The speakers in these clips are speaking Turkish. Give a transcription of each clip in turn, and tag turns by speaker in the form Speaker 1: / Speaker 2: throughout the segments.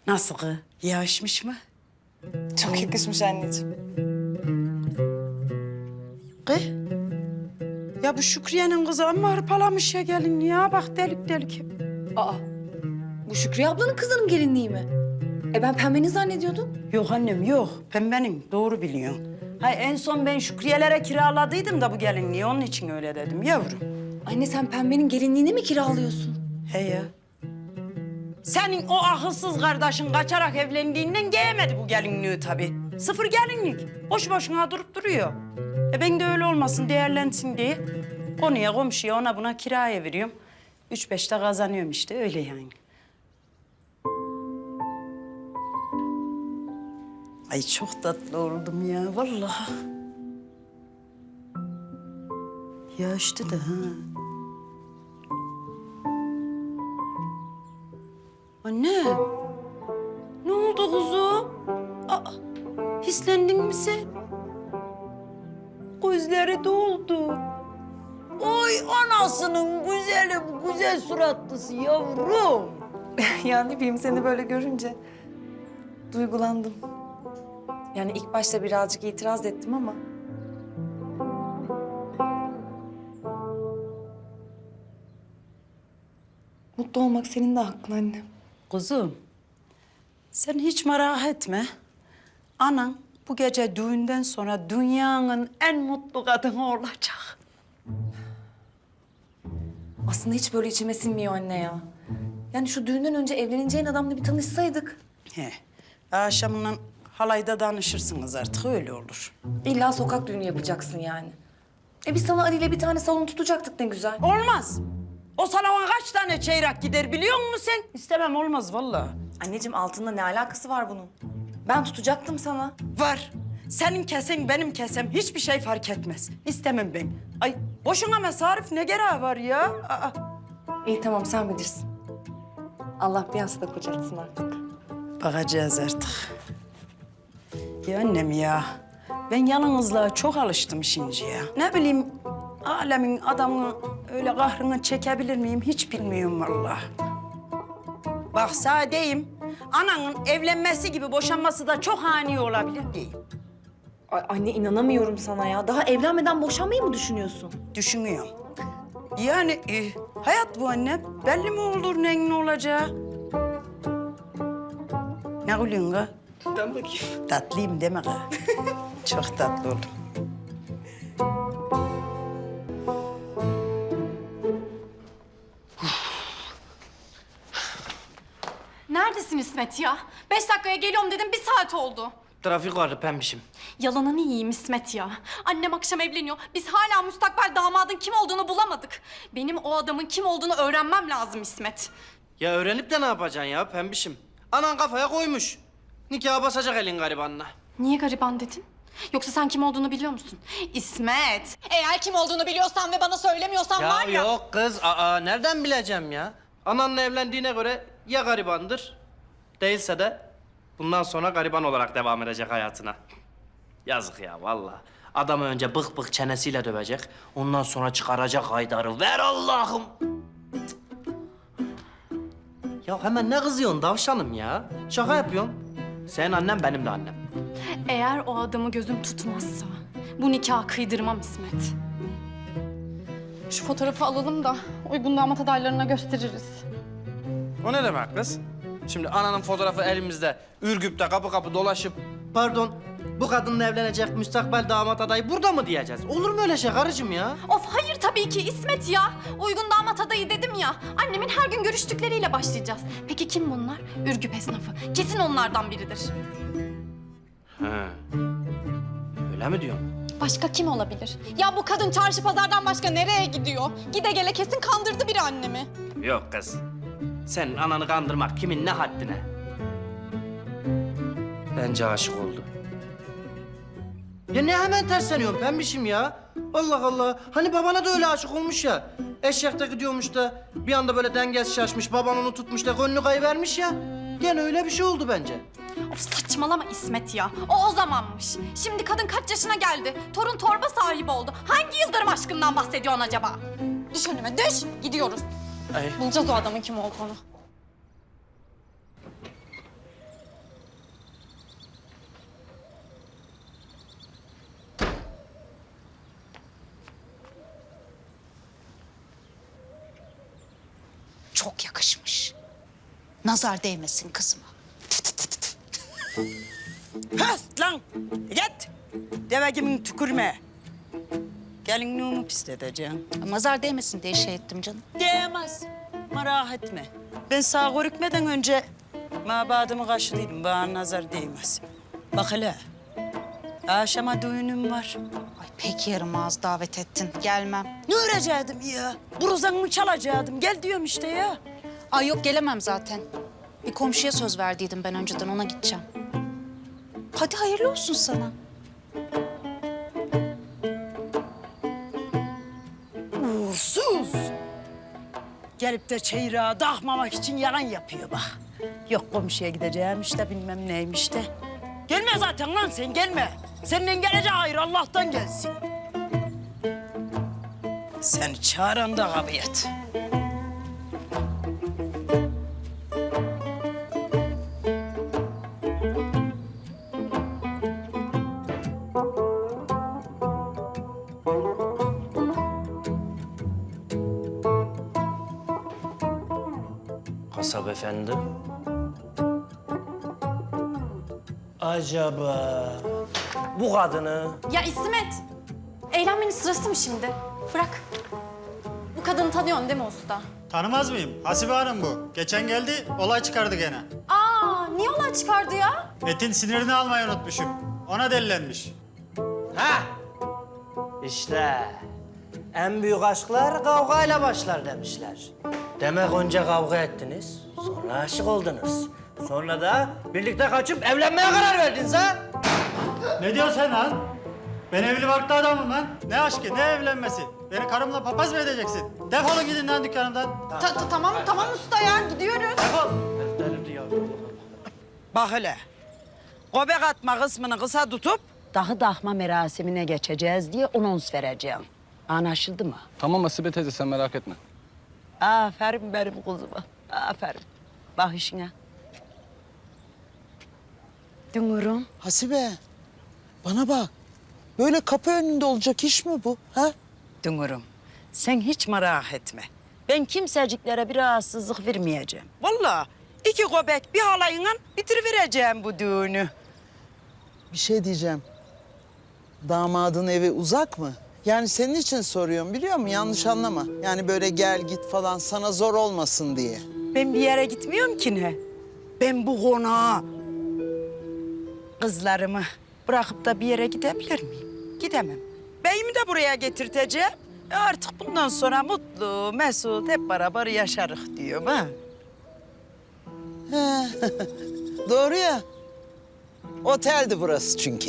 Speaker 1: Nasıl kız? Yakışmış mı?
Speaker 2: Çok yakışmış anneciğim.
Speaker 1: Kız? Ya bu Şükriye'nin kızı amma hırpalamış ya gelin ya. Bak delik delik.
Speaker 2: Aa, bu Şükriye ablanın kızının gelinliği mi? Ben pembenin zannediyordum.
Speaker 1: Yok annem yok. Pembenin doğru biliyorsun. Hay en son ben Şükriye'lere kiraladıydım da bu gelinliği. Onun için öyle dedim yavrum.
Speaker 2: Anne sen pembenin gelinliğini mi kiralıyorsun?
Speaker 1: He ya. Senin o akılsız kardeşin kaçarak evlendiğinden giyemedi bu gelinliği tabii. Sıfır gelinlik. Boş boşuna durup duruyor. Ben de öyle olmasın, değerlensin diye konuya, komşuya, ona buna kiraya veriyorum. 3-5 de kazanıyorum işte, öyle yani. Ay çok tatlı oldum ya, vallahi. Yaşlı da ha. Anne, ne oldu kuzum? Aa, hislendin mi sen? Gözleri doldu. Oy anasının güzeli, bu güzel suratlısı yavrum.
Speaker 2: Ya ne bileyim seni böyle görünce duygulandım. Yani ilk başta birazcık itiraz ettim ama... Mutlu olmak senin de hakkın anne.
Speaker 1: Kuzum, sen hiç merak etme. Anan bu gece düğünden sonra dünyanın en mutlu kadını olacak.
Speaker 2: Aslında hiç böyle içime sinmiyor anne ya. Yani şu düğünden önce evleneceğin adamla bir tanışsaydık.
Speaker 1: He, akşamından halayda danışırsınız artık, öyle olur.
Speaker 2: İlla sokak düğünü yapacaksın yani. Biz sana Ali ile bir tane salon tutacaktık ne güzel.
Speaker 1: Olmaz. O salona kaç tane çeyrek gider biliyor musun sen? İstemem, olmaz vallahi.
Speaker 2: Anneciğim altında ne alakası var bunun? Ben tutacaktım sana.
Speaker 1: Var. Senin kesen, benim kesem hiçbir şey fark etmez. İstemem ben. Ay boşuna mesarif ne gereği var ya? Aa.
Speaker 2: İyi tamam sen bilirsin. Allah bir hasta kocatsın artık.
Speaker 1: Bakacağız artık. Ya annem ya. Ben yalnızlığa çok alıştım şimdi ya. Ne bileyim alemin adamını öyle kahrını çekebilir miyim hiç bilmiyorum vallahi. Bak sadeyim. Ananın evlenmesi gibi boşanması da çok ani olabilir diyeyim.
Speaker 2: Ay, anne inanamıyorum sana ya. Daha evlenmeden boşanmayı mı düşünüyorsun?
Speaker 1: Düşünüyorum. Yani hayat bu anne. Belli mi olur neyin ne olacağı? Ne gülüyorsun kız?
Speaker 2: Ben bakayım.
Speaker 1: Tatlıyım deme kız. Çok tatlı oldum.
Speaker 3: Neredesin İsmet ya? 5 dakikaya geliyorum dedim, 1 saat oldu.
Speaker 4: Trafik vardı pembişim.
Speaker 3: Yalanını yiyeyim İsmet ya. Annem akşam evleniyor. Biz hala müstakbel damadın kim olduğunu bulamadık. Benim o adamın kim olduğunu öğrenmem lazım İsmet.
Speaker 4: Ya öğrenip de ne yapacaksın ya pembişim? Anan kafaya koymuş. Nikaha basacak elin garibanına.
Speaker 3: Niye gariban dedin? Yoksa sen kim olduğunu biliyor musun? İsmet! Eğer kim olduğunu biliyorsan ve bana söylemiyorsan
Speaker 4: Ya
Speaker 3: var ya...
Speaker 4: yok kız, nereden bileceğim ya? Ananla evlendiğine göre ya garibandır, değilse de bundan sonra gariban olarak devam edecek hayatına. Yazık ya vallahi. Adamı önce bık bık çenesiyle dövecek, ondan sonra çıkaracak Haydar'ı. Ver Allah'ım! Ya hemen ne kızıyorsun davşanım ya? Şaka yapıyorsun. Senin annen benim de annem.
Speaker 3: Eğer o adamı gözüm tutmazsa bu nikahı kıydırmam İsmet. Şu fotoğrafı alalım da uygun damat adaylarına gösteririz.
Speaker 4: O ne demek kız? Şimdi ananın fotoğrafı elimizde, Ürgüp'te kapı kapı dolaşıp... Pardon, bu kadınla evlenecek müstakbel damat adayı burada mı diyeceğiz? Olur mu öyle şey karıcığım ya?
Speaker 3: Of hayır tabii ki İsmet ya. Uygun damat adayı dedim ya. Annemin her gün görüştükleriyle başlayacağız. Peki kim bunlar? Ürgüp esnafı. Kesin onlardan biridir.
Speaker 4: He. Öyle mi diyorsun?
Speaker 3: Başka kim olabilir? Ya bu kadın çarşı pazardan başka nereye gidiyor? Gide gele kesin kandırdı biri annemi.
Speaker 4: Yok kız. Senin ananı kandırmak kimin ne haddine? Bence aşık oldu. Ya ne hemen tersleniyorsun pembişim ya? Allah Allah. Hani babana da öyle aşık olmuş ya. Eşekte gidiyormuş da bir anda böyle dengesi şaşmış, baban onu tutmuş da gönlü kayıvermiş ya. Gene öyle bir şey oldu bence.
Speaker 3: Of saçmalama İsmet ya. O zamanmış. Şimdi kadın kaç yaşına geldi? Torun torba sahibi oldu. Hangi yıldırım aşkından bahsediyorsun acaba? Düş önüme düş. Gidiyoruz.
Speaker 4: Ay.
Speaker 3: Bulacağız o adamın kim olduğunu.
Speaker 5: çok yakışmış. Nazar değmesin kızıma.
Speaker 1: Hast lan! Git! Deve gibi tükürme. Gelinliğimi pisleteceğim.
Speaker 5: Nazar değmesin diye şey ettim canım.
Speaker 1: Değmez. Merak etme. Ben sağ görükmeden önce mabadımı kaşıdıydım. Bana nazar değmez. Bak hele. Akşama düğünüm var.
Speaker 5: Ay pek yarım ağız davet ettin. Gelmem.
Speaker 1: Ne örecektim ya? Buruzanımı çalacaktım. Gel diyorum işte ya.
Speaker 5: Ay yok gelemem zaten. Bir komşuya söz verdiydim ben önceden ona gideceğim. Hadi hayırlı olsun sana.
Speaker 1: Uğursuz. Gelip de çeyreğe takmamak için yalan yapıyor bak. Yok komşuya gideceğim işte bilmem neymiş de. Gelme zaten lan sen gelme. Senin geleceği hayır Allah'tan gelsin. Seni çağıran da kabiyet.
Speaker 4: Kasap efendi. Acaba bu kadını
Speaker 3: Ya İsmet, eğlenmenin sırası mı şimdi? Bırak. Bu kadını tanıyorsun değil mi usta?
Speaker 6: Tanımaz mıyım? Hasibe Hanım bu. Geçen geldi, olay çıkardı gene.
Speaker 3: Aa, niye olay çıkardı ya?
Speaker 6: Etin sinirini almayı unutmuşum. Ona delilenmiş.
Speaker 4: ha işte en büyük aşklar kavgayla başlar demişler. Demek önce kavga ettiniz, sonra aşık oldunuz. Sonra da birlikte kaçıp evlenmeye karar verdiniz ha?
Speaker 6: Ne diyorsun sen lan? Ben evli barklı adamım lan. Ne aşkı, ne evlenmesi? Beni karımla papaz mı edeceksin? Defolun gidin lan dükkanımdan.
Speaker 3: Tamam usta ya, gidiyoruz.
Speaker 6: Defol.
Speaker 1: Bak hele. Göbek atma kısmını kısa tutup dağı dahma merasimine geçeceğiz diye anons vereceğim. Anlaşıldı mı?
Speaker 7: Tamam Asibe teyze sen merak etme.
Speaker 1: Aferin benim kızıma. Aferin. Bak işine. Dünürüm.
Speaker 8: Hasibe, bana bak. Böyle kapı önünde olacak iş mi bu? Ha?
Speaker 1: Dünürüm. Sen hiç merak etme. Ben kimseciklere bir rahatsızlık vermeyeceğim. Vallahi 2 göbek bir halayla bitirivereceğim bu düğünü.
Speaker 8: Bir şey diyeceğim. Damadın evi uzak mı? Yani senin için soruyorum biliyor musun? Yanlış anlama. Yani böyle gel git falan sana zor olmasın diye.
Speaker 1: Ben bir yere gitmiyorum ki ne? Ben bu konağa kızlarımı bırakıp da bir yere gidebilir miyim? Gidemem. Beyimi de buraya getirteceğim. Artık bundan sonra mutlu, mesut hep beraber yaşarız diyorum ha.
Speaker 8: He. Doğru ya. Oteldi burası çünkü.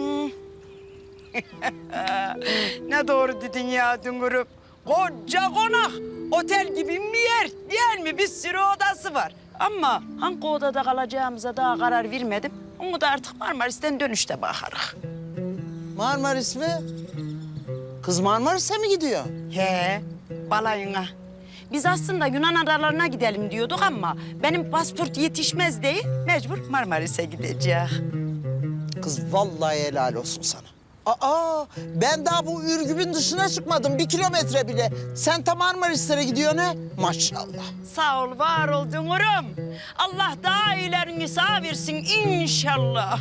Speaker 1: Ne doğru dedin ya Dünürüm. Koca konak, otel gibi bir yer değil mi? Bir sürü odası var. Ama hangi odada kalacağımıza daha karar vermedim. Onu da artık Marmaris'ten dönüşte bakarız.
Speaker 8: Marmaris mi? Kız Marmaris'e mi gidiyor?
Speaker 1: He, balayına. Biz aslında Yunan adalarına gidelim diyorduk ama benim pasport yetişmez değil, mecbur Marmaris'e gideceğiz.
Speaker 8: Kız vallahi helal olsun sana. Aa, ben daha bu Ürgüp'ün dışına çıkmadım 1 kilometre bile. Sen tam Marmaris'lere gidiyorsun ha? Maşallah.
Speaker 1: Sağ ol, var ol Dünürüm. Allah daha iyilerini sağ versin inşallah.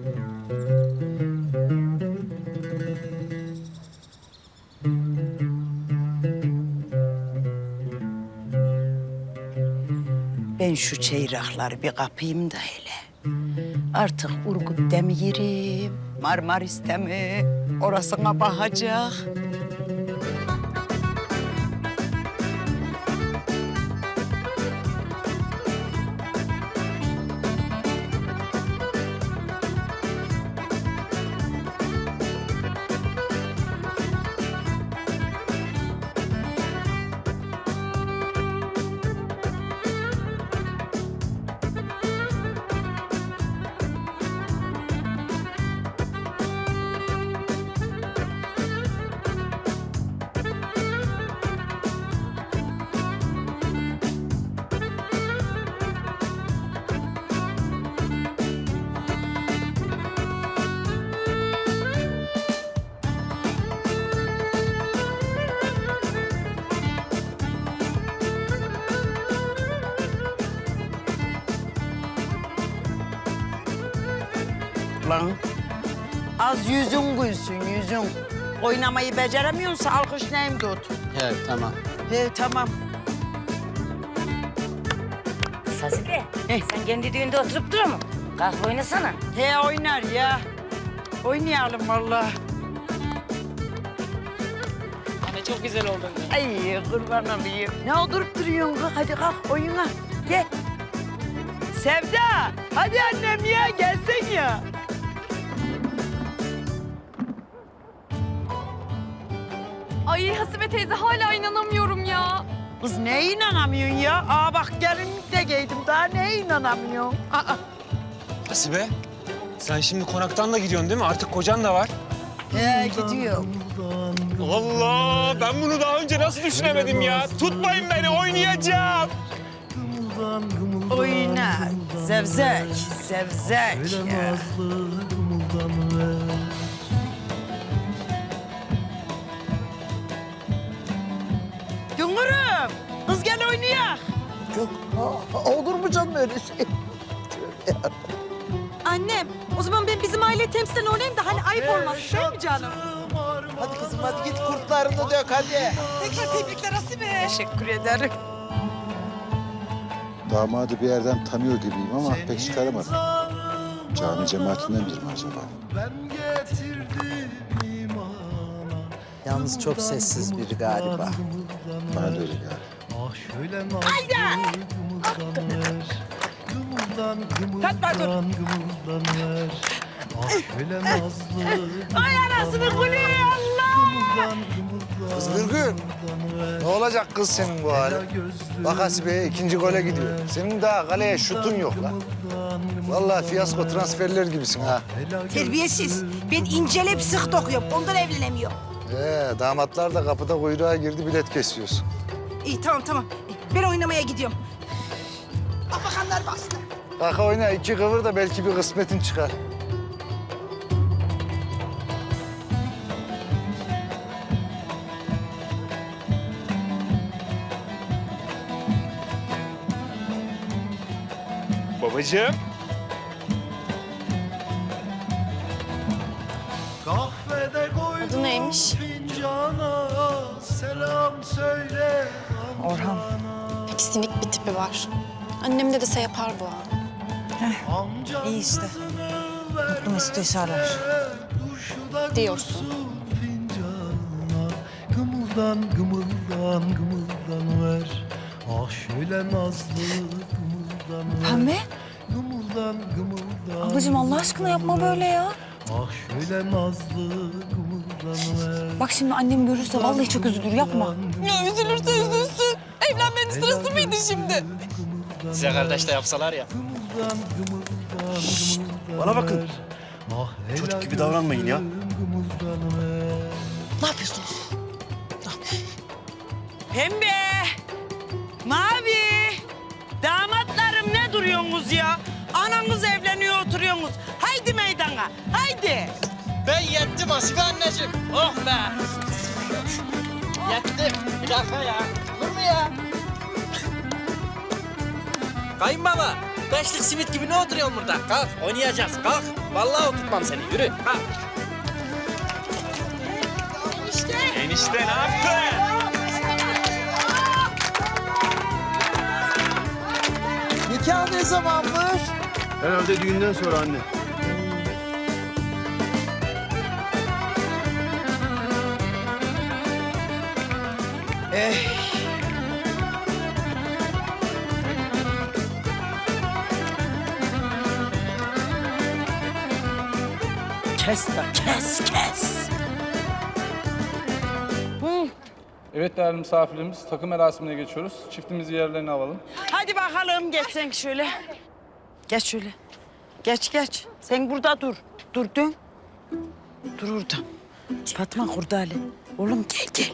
Speaker 1: Ben şu çeyrakları bir kapayım da hele. Artık Urgup'te mi yerim, Marmaris'te mi? Orasına bakacak. lan. Az yüzün gülsün, yüzün. Oynamayı beceremiyorsa alkışlayayım tut.
Speaker 7: Evet, tamam.
Speaker 1: He, tamam.
Speaker 9: Sasuke, sen kendi düğünde oturup durur mu? Kalk oynasana.
Speaker 1: He, oynar ya. Oynayalım vallahi.
Speaker 4: Anne çok güzel oldun.
Speaker 1: Ay kurban olayım. Ne oturup duruyorsun kız? Hadi kalk oyuna. Gel. Sevda, hadi annem ya gelsen ya.
Speaker 3: Ay Hasibe teyze hala inanamıyorum ya.
Speaker 1: Kız neye inanamıyorsun ya? Aa bak gelinlik de giydim. Daha neye inanamıyorsun? Aa.
Speaker 10: Hasibe, sen şimdi konaktan da gidiyorsun değil mi? Artık kocan da var.
Speaker 1: He gidiyor.
Speaker 10: Allah! Ben bunu daha önce nasıl düşünemedim ya? Tutmayın beni, oynayacağım.
Speaker 1: Oyna. Zevzek, zevzek. Ya. Güngürüm, kız gel oynayak.
Speaker 8: Yok, olur mu canım öyle şey?
Speaker 2: Annem, o zaman ben bizim aile temsilen oynayayım da hani ayıp olmaz değil mi canım?
Speaker 8: Hadi kızım hadi git kurtlarını dök hadi.
Speaker 2: Tekrar tebrikler Hasibe.
Speaker 1: Teşekkür ederim.
Speaker 11: Damadı bir yerden tanıyor gibiyim ama pek çıkaramadım. Cami cemaatinden biri mi acaba?
Speaker 8: Yalnız çok sessiz biri galiba.
Speaker 11: Bana da öyle geldi.
Speaker 1: Fatma dur. Ay anasını gülüyor Allah.
Speaker 12: Kız Nurgül, ne olacak kız senin bu hali? Bak Hasibe ikinci gole gidiyor. Senin daha kaleye şutun yok lan. Vallahi fiyasko transferler gibisin ha.
Speaker 2: Terbiyesiz. Ben incelep sık dokuyorum. Ondan evlenemiyorum.
Speaker 12: Damatlar da kapıda kuyruğa girdi bilet kesiyorsun.
Speaker 2: İyi tamam. Ben oynamaya gidiyorum. Bakanlar bastı.
Speaker 12: Bak oyna iki kıvır da belki bir kısmetin çıkar.
Speaker 10: Babacığım.
Speaker 3: Adı neymiş?
Speaker 2: Orhan.
Speaker 3: Pek sinik bir tipi var. Annem de dese yapar bu ha.
Speaker 2: İyi işte. Mutlu mesut yaşarlar.
Speaker 3: Diyorsun.
Speaker 13: Gımıldan ver. Ah şöyle nazlı gımıldan ver.
Speaker 2: Pembe.
Speaker 13: Gımıldan
Speaker 2: Ablacığım Allah aşkına yapma böyle ya.
Speaker 13: Ah şöyle nazlı gımıldan ver.
Speaker 2: Bak şimdi annem görürse vallahi çok üzülür yapma.
Speaker 3: Ya üzülürse üzülsün. Evlenmenin sırası mıydı şimdi?
Speaker 4: Size kardeş de yapsalar ya.
Speaker 13: Bana bakın. Çocuk gibi davranmayın ya.
Speaker 2: Ne yapıyorsunuz?
Speaker 1: Pembe, mavi, damatlarım ne duruyorsunuz ya? Ananız evleniyor oturuyorsunuz. Haydi meydana, haydi.
Speaker 4: Ben yettim Hasibe anneciğim. Oh be. Yettim. Bir dakika ya. Olur mu ya? Kayınbaba. Beşlik simit gibi ne oturuyorsun burada? Kalk oynayacağız. Kalk. Vallahi oturtmam seni. Yürü. Kalk.
Speaker 10: Enişte ne yaptın?
Speaker 8: Nikah ne zamanmış?
Speaker 13: Herhalde düğünden sonra anne.
Speaker 1: Kes de kes.
Speaker 7: Evet değerli misafirlerimiz, takım merasimine geçiyoruz. Çiftimizi yerlerine alalım.
Speaker 1: Hadi bakalım geç sen şöyle. Geç şöyle. Geç. Sen burada dur. Dur dön. Dur orada. Fatma Kurdali. Oğlum gel.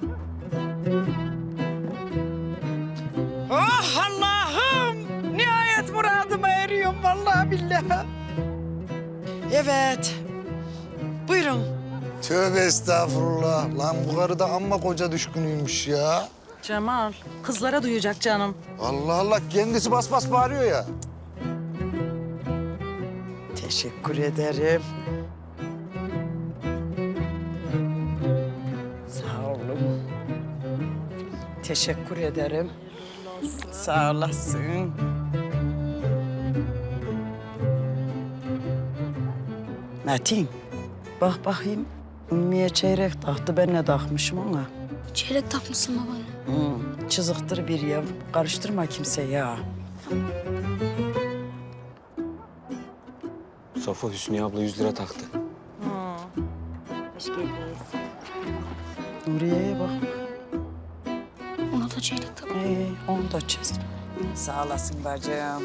Speaker 1: Oh Allah'ım. Nihayet muradıma eriyorum vallahi billahi. Evet. Buyurun.
Speaker 12: Tövbe estağfurullah. Lan bu karı da amma koca düşkünüymüş ya.
Speaker 1: Cemal, kızlara duyacak canım.
Speaker 12: Allah Allah kendisi bas bas bağırıyor ya.
Speaker 1: Teşekkür ederim. Sağ olun. Teşekkür ederim. Sağ olasın. Metin, bak bakayım. Ümmü'ye çeyrek taktı, ben ne takmışım ona?
Speaker 3: Çeyrek takmışsın babaanne.
Speaker 1: Çızıktır bir ya. Karıştırma kimse ya.
Speaker 10: Safa Hüsniye abla 100 lira taktı.
Speaker 9: Hoş geldiniz.
Speaker 1: Nuriye'ye bak.
Speaker 3: Ona da çeyrek tak.
Speaker 1: Onu da çiz. Sağ olasın bacım.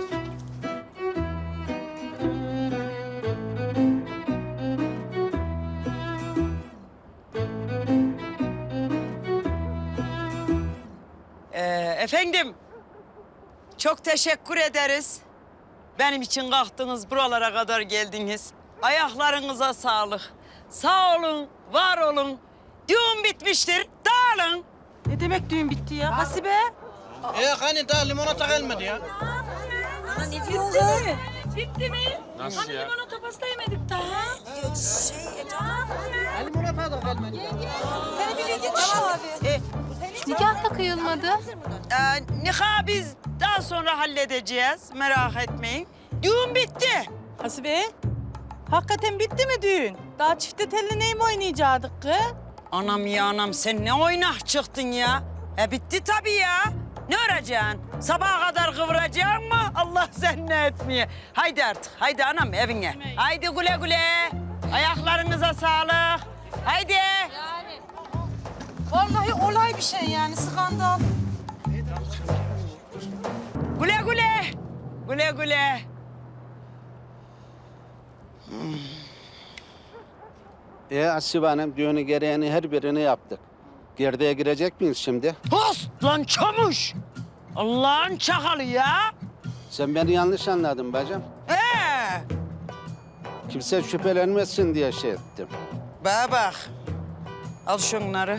Speaker 1: Efendim, çok teşekkür ederiz. Benim için kalktınız, buralara kadar geldiniz. Ayaklarınıza sağlık. Sağ olun, var olun. Düğün bitmiştir, dağılın.
Speaker 8: Ne demek düğün bitti ya? Hasibe.
Speaker 4: Hani daha limonata gelmedi ya.
Speaker 10: Nasıl ya?
Speaker 4: Limonata da gelmedi.
Speaker 3: Nikah da kıyılmadı.
Speaker 1: Nikahı biz daha sonra halledeceğiz, merak etmeyin. Düğün bitti.
Speaker 8: Hasibe. Hakikaten bitti mi düğün? Daha çifte telli ney mi oynayacaktık kız?
Speaker 1: Anam ya anam, sen ne oynak çıktın ya? Bitti tabii ya. Ne öreceksin? Sabaha kadar kıvıracaksın mı? Allah sen ne etmeye. Haydi artık, haydi anam evine. Haydi güle güle. Ayaklarınıza sağlık. Haydi.
Speaker 8: Vallahi olay bir şey yani skandal.
Speaker 1: Güle güle. Güle güle.
Speaker 14: Asibe Hanım, düğünü gereğini her birini yaptık. Gerdeğe girecek miyiz şimdi?
Speaker 1: Host lan çamuş. Allah'ın çakalı ya.
Speaker 14: Sen beni yanlış anladın bacım. Kimse şüphelenmesin diye şey ettim.
Speaker 1: Bana bak. Al şunları.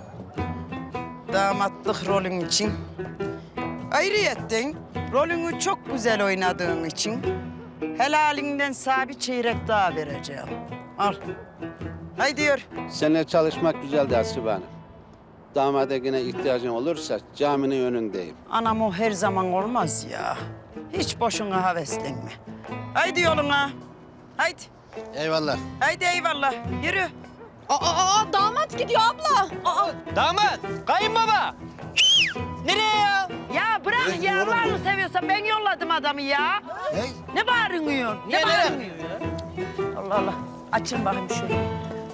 Speaker 1: Damatlık rolün için. Ayrıyetten rolünü çok güzel oynadığın için helalinden sana bir çeyrek daha vereceğim. Al. Haydi diyor.
Speaker 14: Seninle çalışmak güzeldi Asibe Hanım. Damada yine ihtiyacın olursa caminin önündeyim.
Speaker 1: Anam o her zaman olmaz ya. Hiç boşuna heveslenme. Haydi yoluna. Haydi.
Speaker 12: Eyvallah.
Speaker 1: Haydi eyvallah. Yürü.
Speaker 3: Damat gidiyor abla.
Speaker 4: Damat, kayınbaba. Nereye ya?
Speaker 1: Ya bırak ya. Allah'ını seviyorsan ben yolladım adamı ya. Ne bağırıyorsun? Ne bağırıyorsun? Allah Allah. Açın bakayım şöyle.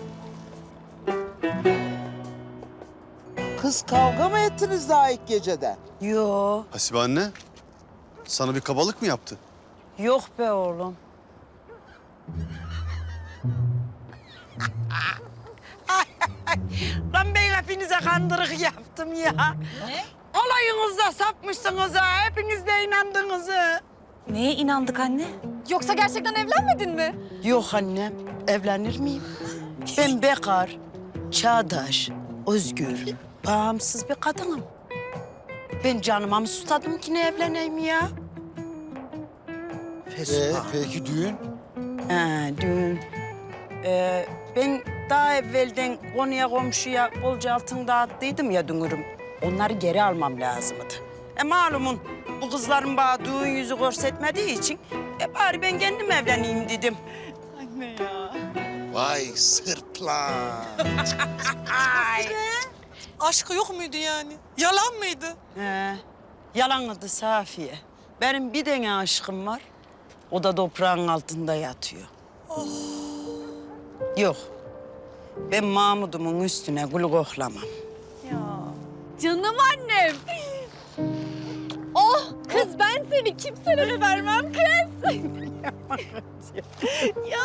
Speaker 8: Kız kavga mı ettiniz daha ilk geceden?
Speaker 1: Yo.
Speaker 11: Hasibe anne, sana bir kabalık mı yaptı?
Speaker 1: Yok be oğlum. Lan ben hepinize kandırık yaptım ya. Ne? Olayınızda sapmışsınız ha. Hepiniz de inandınız ha.
Speaker 2: Neye inandık anne?
Speaker 3: Yoksa gerçekten evlenmedin mi?
Speaker 1: Yok annem. Evlenir miyim? Ben bekar, çağdaş, özgür, bağımsız bir kadınım. Ben canıma mı susadım ki ne evleneyim ya?
Speaker 11: Peki düğün?
Speaker 1: Düğün. Ben daha evvelden konuya komşuya bolca altın dağıttıydım ya dünürüm. Onları geri almam lazımdı. Malumun bu kızların bana düğün yüzü görsetmediği için bari ben kendim evleneyim dedim.
Speaker 12: Vay sırtlan.
Speaker 8: Aşkı yok muydu yani? Yalan mıydı?
Speaker 1: Yalanıydı Safiye. Benim bir tane aşkım var. O da toprağın altında yatıyor. Yok. Ben Mahmud'umun üstüne gül koklamam.
Speaker 3: Canım annem. Oh kız ben seni kimselere vermem kız. Ya.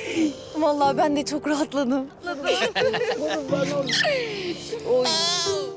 Speaker 3: Vallahi ben de çok rahatladım. Oy.